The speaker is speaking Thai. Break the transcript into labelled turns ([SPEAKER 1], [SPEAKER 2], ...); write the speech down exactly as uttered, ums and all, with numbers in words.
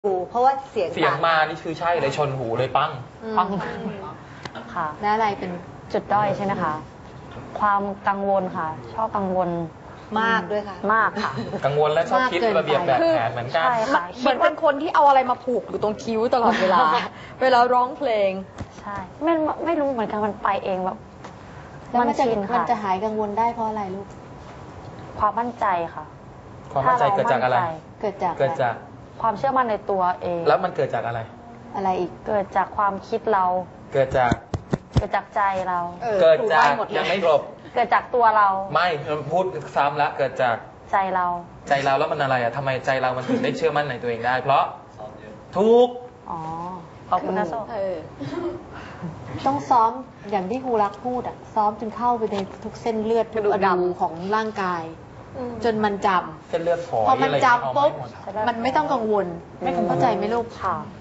[SPEAKER 1] หูเพราะว่าเสียง
[SPEAKER 2] เสียงมานี่คือใช่เลยชนหูเลยปั้ง
[SPEAKER 3] ปังค่ะ
[SPEAKER 1] และอะไรเป็น
[SPEAKER 3] จุดด้อยใช่ไหมคะ ความกังวลค่ะ ชอบกังวล
[SPEAKER 1] มากด้วยค่ะ
[SPEAKER 3] มากค่ะ
[SPEAKER 2] กังวลและชอบคิด
[SPEAKER 1] มากเกินไป
[SPEAKER 2] ระเบียบแบบแผนเหมือนกัน
[SPEAKER 3] ใช่ค่ะ
[SPEAKER 4] เหมือนเป็นคนที่เอาอะไรมาผูกอยู่ตรงคิ้วตลอดเวลา เวลาร้องเพลง
[SPEAKER 3] ใช่ไม่ไม่รู้เหมือนกันมันไปเองแบบ
[SPEAKER 1] แล้วมันจะ
[SPEAKER 3] ชิน
[SPEAKER 1] มัน
[SPEAKER 3] ค่ะ
[SPEAKER 1] จะหายกังวลได้เพราะอะไรลูก
[SPEAKER 3] ความมั่นใจค่ะ
[SPEAKER 2] ความมั่นใจเกิดจากอะไร
[SPEAKER 3] ถ้เ
[SPEAKER 1] เกิดจาก
[SPEAKER 2] เกิดจาก
[SPEAKER 3] ความเชื่อมั่นในตัวเอง
[SPEAKER 2] แล้วมันเกิดจากอะไร
[SPEAKER 1] อะไรอีก
[SPEAKER 3] เกิดจากความคิดเรา
[SPEAKER 2] เกิดจาก
[SPEAKER 3] เกิดจากใจเรา
[SPEAKER 1] ออ
[SPEAKER 2] เกิดจาก
[SPEAKER 1] ถูบ้นหมดเล
[SPEAKER 2] ยังไม่จบ
[SPEAKER 3] เกิดจากตัวเรา
[SPEAKER 2] ไม่พูดซ้ำละเกิดจาก
[SPEAKER 3] ใจเรา
[SPEAKER 2] ใจเราแล้วมันอะไรอ่ะทำไมใจเรามันถึงได้เชื่อมั่นในตัวเองได้ เพราะทุก
[SPEAKER 3] อ๋อ ขอบคุณนะโซ
[SPEAKER 4] เออ
[SPEAKER 1] ต้องซ้อมอย่างที่ครูรักพูดอ่ะ ซ้อมจนเข้าไปในทุกเส้นเลือดทุกอนูของร่างกาย จนมันจำ
[SPEAKER 2] เส้นเลือดฝอย
[SPEAKER 1] พอมัน
[SPEAKER 2] อะไร
[SPEAKER 1] จำปุ๊บ
[SPEAKER 2] เอาไม่หมด
[SPEAKER 1] มันไม่ต้องกังวล
[SPEAKER 3] ไม่กังวล
[SPEAKER 1] เข้าใจไหมลูก
[SPEAKER 3] ค่ะ